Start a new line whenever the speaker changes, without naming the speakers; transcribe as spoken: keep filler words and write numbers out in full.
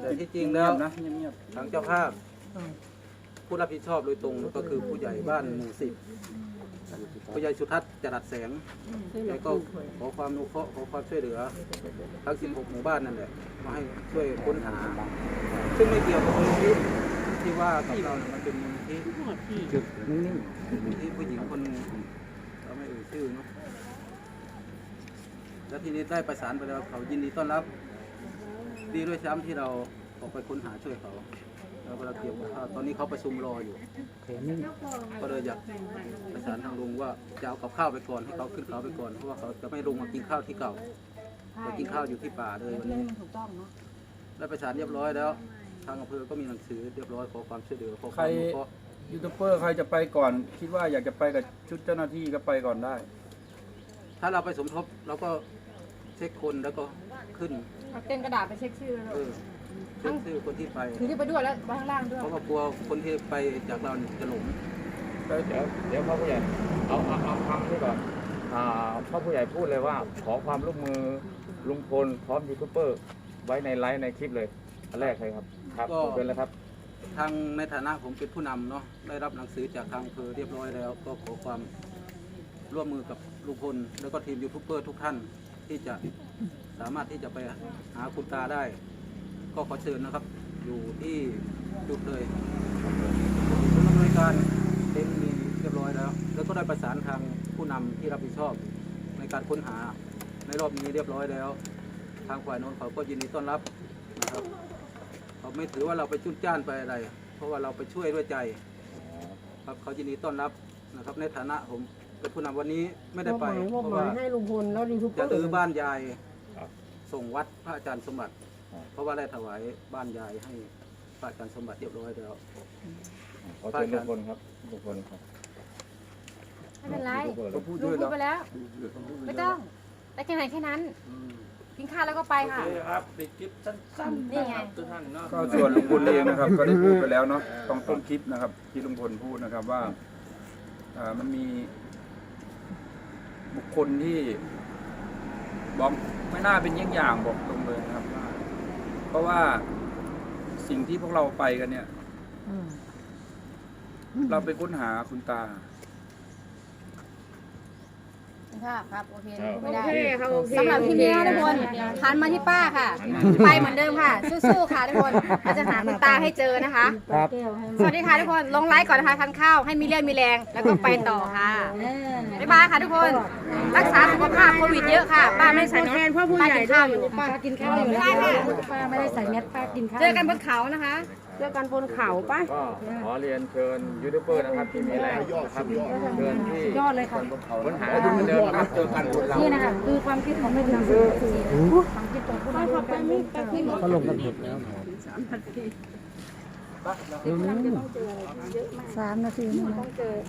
แต่ที่จริงแล้วนะทางเจ้าภาพผู้รับผิดชอบโดยตรงก็คือผู้ใหญ่บ้านหมู่สิบผู้ใหญ่สุทัศน์จรัสแสงแล้วก็ขอความอนุเคราะห์ขอความช่วยเหลือทั้งสิบหกหมู่บ้านนั่นแหละมาให้ช่วยค้นหาซึ่งไม่เกี่ยวกับมูลนิธิที่ว่ากับเราเนี่ยมันเป็นมูลนิธิจุดนิ่งๆมูลนิธิผู้หญิงคนหนึงเราไม่เอ่ยชื่อเนาะแล้วทีนี้ได้ประสานไปแล้วเขายินดีต้อนรับดีด้วยซ้ำที่เราออกไปค้นหาช่วยเขาแล้วเราเตรียมข้าวตอนนี้เขาประชุมรออยู่ก็เลยอยากประสานทางลุงว่าจะเอากับข้าวไปก่อนให้เขาขึ้นเขาไปก่อนเพราะว่าเขาจะไม่ลงมากินข้าวที่เก่าจะกินข้าวอยู่ที่ป่าเลยวันนี้ได้ประสานเรียบร้อยแล้วทางอำเภอก็มีหนังสือเรียบร้อยขอความช่วยเหลือขอความอนุเคราะห์
ยูทูบเบอร์ใครจะไปก่อนคิดว่าอยากจะไปกับชุดเจ้าหน้าที่ก็ไปก่อนได้
ถ้าเราไปสมทบเราก็เช็คคนแล้วก็ขึ้น
เต้นกระดาษไปเช็คชื่อแล้ว
เออเช็คชื่อคนที่ไป
ถือที่ไปด้วยแล้วไปข้างล่างด้วย
เพราะว่ากลัวคนที่ไปจากเราจะหลง
เดี๋ยวเดี๋ยวพ่อผู้ใหญ่เอาเอาเอาคำที่แบบอ่าพ่อผู้ใหญ่พูดเลยว่าขอความร่วมมือลุงพลพร้อมยูทูบเบอร์ไว้ในไลฟ์ในคลิปเลยอันแรกเลยครับครับเป็นแล้วครับ
ทางในฐานะผมเป็นผู้นำเนาะได้รับหนังสือจากทางอำเภอเรียบร้อยแล้ว ก็ขอความร่วมมือกับลุงพลแล้วก็ทีมยูทูบเบอร์ทุกท่านที่จะสามารถที่จะไปหาคุณตาได้ ก็ขอเชิญนะครับ อยู่ที่จุดเลยผู้อำนวยการเต็มมีเรียบร้อยแล้ว แล้วก็ได้ประสานทางผู้นำที่รับผิดชอบในการค้นหาในรอบนี้เรียบร้อยแล้ว ทางฝ่ายโน้นเขาก็ยินดีต้อนรับนะครับเขาไม่ถือว่าเราไปจุนจ้านไปอะไร เพราะว่าเราไปช่วยด้วยใจครับเขายินดีต้อนรับนะครับในฐานะผมเป็นผู้นำวันนี้ไม่ได้ไปเพราะว่า
ให้ลุงพลแล้วยูทูบเบอ
จะ
ร์
รื้อบ้านยาย
ครับ
ส่งวัดพระอาจารย์สมบัติ
ครับ
เพราะว่าได้ถวายบ้านยายให้พระอาจารย์สมบัติเรียบร้อยแล้ว
ขอเชิญลุงพลครับลุงพลครับ
ไม่เป็นไร
ยูทูบเบอร์เล
ก็
ย
พูด
ลุ
ด้วย
งพูดไป
แล้ว
แล้ว ไม่ต้องได้แค่ไหนแค่นั้นกินข้าวแล้วก็ไปค่ะ
ครับปิดคลิปสั้นๆ
นี่ไง
ทุกท่านเนาะ
ก็ส่วนลุงพลเองนะครับ ก็ได้พูดไปแล้วเนาะตรงต้นคลิปนะครับ ที่ลุงพลพูดนะครับว่าอ่ามันมีบุคคลที่บอกไม่น่าเป็นเยี่ยงอย่างบอกตรงเลยนะครับ เพราะว่าสิ่งที่พวกเราไปกันเนี่ย เราไปค้นหาคุณตา
ค่ะครับโอเคพูด
โอ
ไม่ได้
เคค่ะโอเค
สำหรับที่นี้ทุกคนหันมาที่ป้าค่ะ ไปเหมือนเดิมค่ะ สู้ๆค่ะทุกคนเราจะหาคุณตาให้เจอนะคะ
ครับ
สวัสดีค่ะทุกคนลงไลค์ก่อนนะคะทานข้าวให้มีเรี่ยวมีแรงแล้วก็ไปต่อค่ะบ๊ายบายค่ะทุกคน รักษาสุขภาพโควิดเยอะค่ะ ป้าไม่ได้ใส่
แท
แม
น
ส
พ่อผู้
ป้า
ใหญ่
กิน
ด้ว
ข้าวย อยู่
ป้ากินข้าวอยู่
ได้ค่ะ
ป้าไม่ได้ใส่แมสป้ากินข้าว
เจอกันบนเขานะคะ
เจอกันบนเขาป้า
ก็ขอเรียนเชิญยูทูบเบอร์นะครับที่มีแรงนะครับเชิญที่
ยอดเลยค่ะ
ค้นหาเหมือนเดิมนะครับเจอกันบนเรา
นี่นะคะคือความคิดของแม่นำความคิดของผู้นำไปไม่ไปไม่
เขาลงกันหมดแล้ว
สามนาที